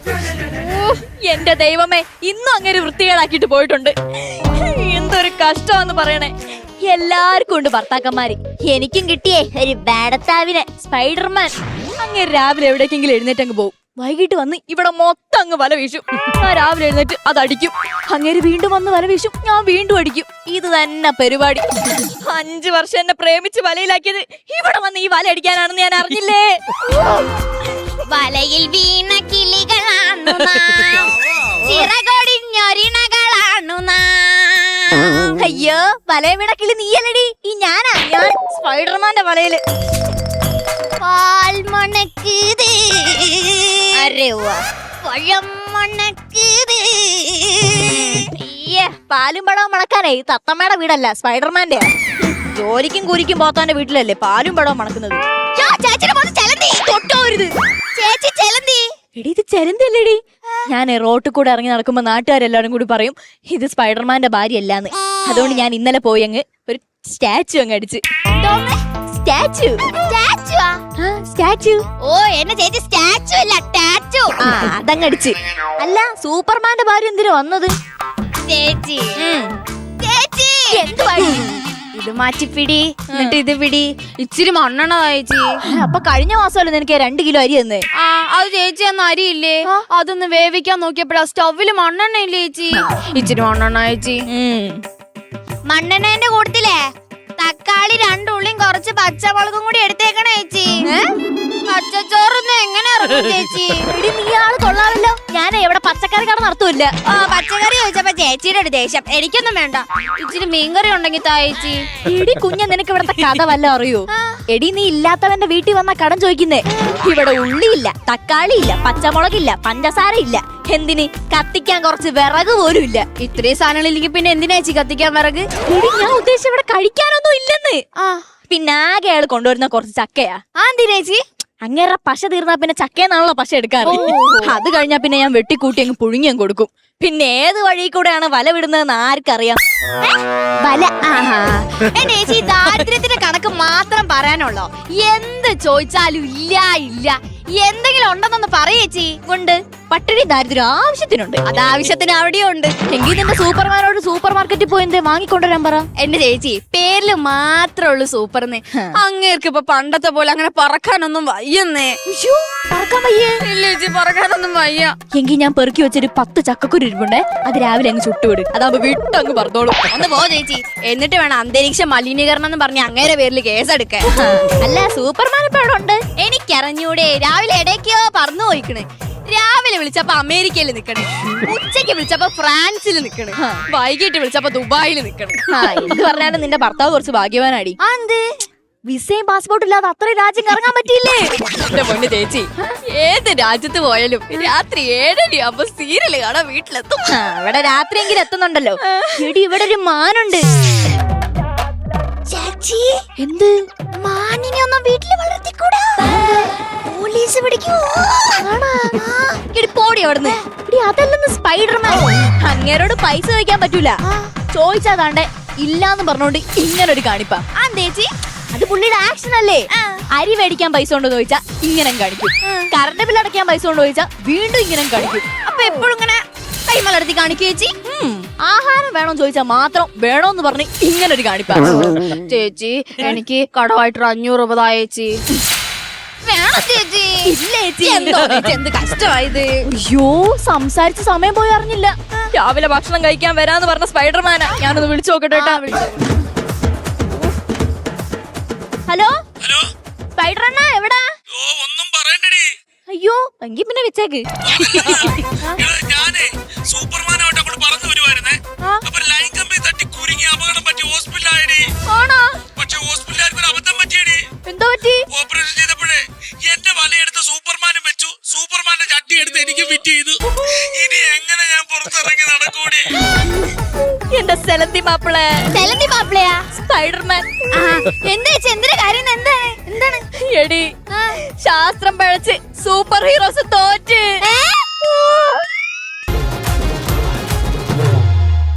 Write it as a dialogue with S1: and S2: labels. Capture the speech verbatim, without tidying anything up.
S1: എന്റെ ദൈവമേ, ഇന്നും അങ്ങനെ വൃത്തികേടാക്കിട്ട് പോയിട്ടുണ്ട്. എന്തൊരു കഷ്ടമാന്ന് പറയണേ. എല്ലാവർക്കും ഉണ്ട് ഭർത്താക്കന്മാര്. എനിക്കും കിട്ടിയേ ഒരു ബാഡത്താവിനെ, സ്പൈഡർമാൻ. അങ്ങനെ രാവിലെ എവിടേക്കെങ്കിലും എഴുന്നേറ്റ് അങ്ങ് പോകും. വൈകിട്ട് വന്ന് ഇവിടെ മൊത്തം അങ്ങ് വല വീശും. ഞാൻ രാവിലെ എഴുന്നേറ്റ് അതടിക്കും. അങ്ങനെ വീണ്ടും വന്ന് വല വീശും. ഞാൻ വീണ്ടും അടിക്കും. ഇത് തന്നെ പരിപാടി. അഞ്ചു വർഷം എന്നെ പ്രേമിച്ച് വലയിലാക്കിയത് ഇവിടെ വന്ന് ഈ വല അടിക്കാനാണെന്ന് ഞാൻ അറിഞ്ഞില്ലേ.
S2: വലയിൽ വീണ കിളികളാണു നാം, ചിറകൊടിഞ്ഞൊരിണകളാണു നാം.
S1: അയ്യോ, വലയ വീണ കിളി നീയല്ലടി, ഈ ഞാനാ. ഞാൻ സ്പൈഡർമാന്റെ വലയില്.
S2: പാൽ മണക്കുത്, പഴം മണക്കുത്.
S1: അയ്യേ, പാലും പഴവും മണക്കാനേ ഈ തത്തമ്മയുടെ വീടല്ല, സ്പൈഡർമാന്റെ. ജോലിക്കും കൂലിക്കും പോത്താന്റെ വീട്ടിലല്ലേ പാലും പഴവും മണക്കുന്നത്.
S2: ചേച്ചി ചെലന്തി.
S1: എടി, ഇത് ചെലന്തല്ലേടി. ഞാൻ റോട്ടിൽ കൂടെ ഇറങ്ങി നടക്കുമ്പോ നാട്ടുകാരെല്ലാരും കൂടി പറയും ഇത് സ്പൈഡർമാന്റെ ഭാര്യ അല്ലാന്ന്. അതുകൊണ്ട് ഞാൻ ഇന്നലെ പോയി അങ്ങ് ഒരു സ്റ്റാച്ചു അങ്ങ് അടിച്ച്. സ്റ്റാച്ചു സ്റ്റാച്ചു
S2: ഓ, എന്നെ ചേച്ചി സ്റ്റാച്ചു അല്ല ടാച്ചു.
S1: ആ, അതങ്ങ് അടിച്ച്. അല്ല, സൂപ്പർമാന്റെ ഭാര്യ എന്തിനാ വന്നത്?
S2: ചേച്ചി ചേച്ചി
S1: എന്തുവാ
S2: ഇത് മാറ്റിപ്പിടി, എന്നിട്ട് ഇത് പിടി. ഇച്ചിരി മണ്ണെണ്ണ ചേച്ചി.
S1: അപ്പൊ കഴിഞ്ഞ മാസമല്ലേ നിനക്ക് രണ്ട് കിലോ അരി തന്നേ?
S2: ആ, അത് ചേച്ചി അന്ന് അരിയില്ലേ, അതൊന്ന് വേവിക്കാൻ നോക്കിയപ്പോഴാ സ്റ്റൗവില് മണ്ണെണ്ണ ഇല്ലേ ചേച്ചി. ഇച്ചിരി മണ്ണെണ്ണ ചേച്ചി. മണ്ണെണ്ണേന്റെ കൂട്ടത്തിലേ തക്കാളി രണ്ടുള്ളിയും കുറച്ച് പച്ചമുളകും കൂടി എടുത്തേക്കണേ ചേച്ചി. പച്ചച്ചോറൊന്നും എങ്ങനെ ഇറങ്ങും ചേച്ചി?
S1: എടി, നീ ആള് കൊള്ളാമല്ലോ. ഞാൻ എവിടെ പച്ചക്കറി കട നടത്തൂല്ല.
S2: ആ, പച്ചക്കറി ചോദിച്ചപ്പോ ചേച്ചിയുടെ ഒരു ദേഷ്യം. എനിക്കൊന്നും വേണ്ട, ഇച്ചിരി മീൻകറി ഉണ്ടെങ്കിൽ താ ചേച്ചി.
S1: എടി കുഞ്ഞ, നിനക്ക് ഇവിടത്തെ കഥ വല്ല അറിയോ? എടി, നീ ഇല്ലാത്തവന്റെ വീട്ടിൽ വന്ന കടം ചോദിക്കുന്നേ. ഇവിടെ ഉള്ളിയില്ല, തക്കാളി ഇല്ല, പച്ചമുളകില്ല, പഞ്ചസാര ഇല്ല. എന്തിന്? കത്തിക്കാൻ കുറച്ച് വിറക് പോലും ഇല്ല.
S2: ഇത്രയും സാധനങ്ങളില്ലെങ്കിൽ പിന്നെ എന്തിനാ ചേച്ചി കത്തിക്കാൻ വിറക്?
S1: എടി, ഞാൻ ഉദ്ദേശിച്ച ഇവിടെ കഴിക്കാനൊന്നും ഇല്ലെന്ന്.
S2: ആ,
S1: പിന്നെ ആകെ അയാൾ കൊണ്ടുവരുന്ന കുറച്ച് ചക്കയാ.
S2: ആ എന്തിനാ ചേച്ചി?
S1: അങ്ങേറെ പശ തീർന്നാ പിന്നെ ചക്കയെന്നാണല്ലോ പശ എടുക്കാറ്. അത് കഴിഞ്ഞാ പിന്നെ ഞാൻ വെട്ടിക്കൂട്ടി അങ്ങ് പുഴുങ്ങിയും കൊടുക്കും. പിന്നെ ഏത് വഴി കൂടെയാണ് വല വിടുന്നതെന്ന് ആർക്കറിയാം?
S2: വല. എന്റെ ചേച്ചി ദാരിദ്ര്യത്തിന്റെ കണക്ക് മാത്രം പറയാനുള്ളോ? എന്ത് ചോദിച്ചാലും ഇല്ല ഇല്ല. എന്തെങ്കിലും ഉണ്ടെന്നൊന്ന് പറയേച്ചി.
S1: ഉണ്ട്, പട്ടിണി ദാരിദ്ര്യം ആവശ്യത്തിനുണ്ട്.
S2: അത് ആവശ്യത്തിന് അവിടെയും ഉണ്ട്.
S1: എങ്കിൽ നിന്റെ സൂപ്പർമാനോട് സൂപ്പർ മാർക്കറ്റിൽ പോയി എന്തേ വാങ്ങിക്കൊണ്ടുവരാൻ പറ.
S2: എന്റെ ചേച്ചി പേരില് മാത്രമേ ഉള്ളൂ സൂപ്പർന്ന്. അങ്ങേർക്ക് ഇപ്പൊ പണ്ടത്തെ പോലെ അങ്ങനെ പറക്കാനൊന്നും വയ്യന്നേ.
S1: പറക്കാൻ വയ്യേ?
S2: ഇല്ല ചേച്ചി, പറക്കാനൊന്നും വയ്യ.
S1: എങ്കിൽ ഞാൻ പെറുക്കി വെച്ചൊരു പത്ത് ചക്കക്കുരു ഇരിപ്പുണ്ടേ, അത് രാവിലെ അങ്ങ് ചുട്ടുവിട്. അതാവുമ്പോ വിട്ടങ്ങ് പറഞ്ഞോളൂ.
S2: ഒന്ന് പോ ചേച്ചി. എന്നിട്ട് വേണം അന്തരീക്ഷ മലിനീകരണം എന്ന് പറഞ്ഞ് അങ്ങേരെ പേരിൽ കേസെടുക്കാൻ.
S1: അല്ല, സൂപ്പർമാൻ ഇപ്പൊ അവിടെ ഉണ്ട്.
S2: എനിക്കറിഞ്ഞൂടെ, രാവിലെ ഇടയ്ക്കോ പറന്നു പോയിക്കണ്. രാവിലെ വിളിച്ചപ്പോ അമേരിക്കയിൽ നിക്കണേ, ഉച്ചക്ക് വിളിച്ചപ്പോ ഫ്രാൻസിൽ നിക്കണേ, വൈകിട്ട് വിളിച്ചപ്പോ ദുബായിൽ നിക്കണേ.
S1: എന്ത് പറഞ്ഞാലും നിന്റെ ഭർത്താവ് കുറച്ച് ഭാഗ്യവാനാടി.
S2: എന്ത്?
S1: വിസയും പാസ്പോർട്ടും ഇല്ലാതെ അത്രയും രാജ്യം കറങ്ങാൻ പറ്റിയില്ലേ?
S2: എന്റെ പൊന്നു ചേച്ചി, ഏത് രാജ്യത്ത് പോയാലും രാത്രി ഏഴരയാകുമ്പോ സീരിയല് കാണാൻ വീട്ടിലെത്തും.
S1: ഇവിടെ രാത്രിയെങ്കിലും എത്തുന്നുണ്ടല്ലോ. എടി, ഇവിടെ ഒരു മാനുണ്ട്.
S2: ചേച്ചി,
S1: എന്ത്?
S2: മാനിനെ ഒന്നും വീട്ടില് വളർത്തിക്കൂടാ, പോലീസ് പിടിക്കൂ.
S1: പോടി അവിടുന്ന്. അതല്ലെന്ന് സ്പൈഡർമാൻ. അങ്ങേരോട് പൈസ ചോദിക്കാൻ പറ്റൂല. ചോദിച്ചാ താണ്ടെ ഇല്ലാന്ന് പറഞ്ഞോണ്ട് ഇങ്ങനൊരു കാണിപ്പാ.
S2: ആ ചേച്ചി,
S1: അത് പുള്ളിയുടെ ആക്ഷൻ അല്ലേ. അരി മേടിക്കാൻ പൈസ ഉണ്ടോ ചോദിച്ചാ ഇങ്ങനെ കാണിക്കും. കറണ്ട് ബില്ല് അടയ്ക്കാൻ പൈസ ഉണ്ടോ ചോദിച്ചാ വീണ്ടും ഇങ്ങനെ കാണിക്കും.
S2: അപ്പൊ എപ്പോഴും ഇങ്ങനെ കൈമലർത്തി കാണിക്കൂ ചേച്ചി.
S1: ആഹാരം വേണോ ചോദിച്ചാ മാത്രം വേണോന്ന് പറഞ്ഞ് ഇങ്ങനൊരു കാണിപ്പാ.
S2: ചേച്ചി, എനിക്ക് കടമായിട്ടൊരു അഞ്ഞൂറ് രൂപ ചേച്ചി. വേണം ചേച്ചി.
S1: ഇല്ല ചേച്ചി.
S2: എന്തോ ചേച്ചി, എന്ത് കഷ്ടമായത്.
S1: അയ്യോ, സംസാരിച്ച സമയം പോയി അറിഞ്ഞില്ല. രാവിലെ ഭക്ഷണം കഴിക്കാൻ വരാന്ന് പറഞ്ഞ സ്പൈഡർമാനാ. ഞാനൊന്ന് വിളിച്ചു നോക്കട്ടെ. ഹലോ
S3: ഹലോ,
S1: സ്പൈഡറണ്ണ എവിടാ?
S3: ഓ ഒന്നും പറയണ്ടടി.
S1: അയ്യോ, എങ്കി പിന്നെ വെച്ചേക്ക്.
S3: ഞാനേ സൂപ്പർമാനായിട്ട് അങ്ങോട്ട് പറന്നു വരുവായിരുന്നേ. അപ്പൊ ലൈൻ കമ്പി തട്ടി കുരുങ്ങി അപകടം പറ്റി ഹോസ്പിറ്റലായടി.
S1: ആണോ?
S3: പക്ഷെ ഹോസ്പിറ്റലാർക്ക് ഒരു അബദ്ധം പറ്റിയടി.
S1: എന്തോ പറ്റി?
S3: ഓപ്പറേഷൻ ചെയ്തപ്പോഴേ എന്റെ വലയെടുത്ത് സൂപ്പർമാനും വെച്ചു, സൂപ്പർമാന്റെ ചട്ടി എടുത്ത് എനിക്ക് ഫിറ്റ് ചെയ്തു. ഇനി എങ്ങനെ ഞാൻ പുറത്തിറങ്ങി നടക്കൂടി?
S1: എന്റെ സെലന്തി മാപ്പിളെ.
S2: സെലന്തി മാപ്പിളയാ?
S1: സ്പൈഡർമാൻ.
S2: എന്താ ചേച്ചി, എന്തിനാ കാര്യം? എന്താണ് എന്താണ്?
S1: എടി, ശാസ്ത്രം പഴച്ച് സൂപ്പർ ഹീറോസ് തോറ്റ്.